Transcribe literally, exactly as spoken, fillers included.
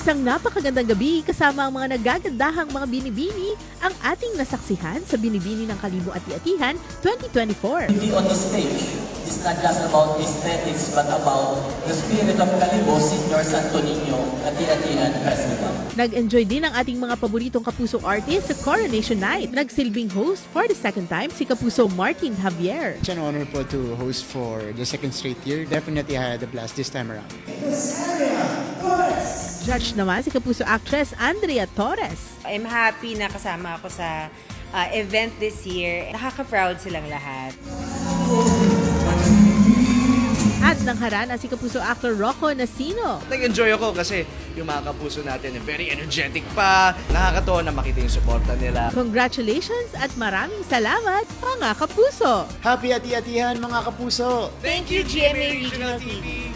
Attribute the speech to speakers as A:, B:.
A: Isang napakagandang gabi kasama ang mga nagagandahang mga binibini ang ating nasaksihan sa Binibini ng Kalibo Ati-Atihan twenty twenty-four.
B: Beauty on the stage is not just about aesthetics but about the spirit of Kalibo Senior Santo Niño Ati-Atihan Festival.
A: Nag-enjoy din ang ating mga paboritong Kapuso artist sa Coronation Night. Nagsilbing host for the second time si Kapuso Martin Javier.
C: It's an honor po to host for the second straight year. Definitely I had a blast this time around.
A: Judge naman si Kapuso actress Andrea Torres.
D: I'm happy na kasama ako sa uh, event this year. Nakaka-proud silang lahat.
A: At nangharana si Kapuso actor Rocco Nasino.
E: Nag-enjoy ako kasi yung mga kapuso natin ay very energetic pa. Nakakatawa na makita yung suporta nila.
A: Congratulations at maraming salamat mga kapuso!
C: Happy Ati-Atihan mga kapuso!
E: Thank you, G M A Regional T V!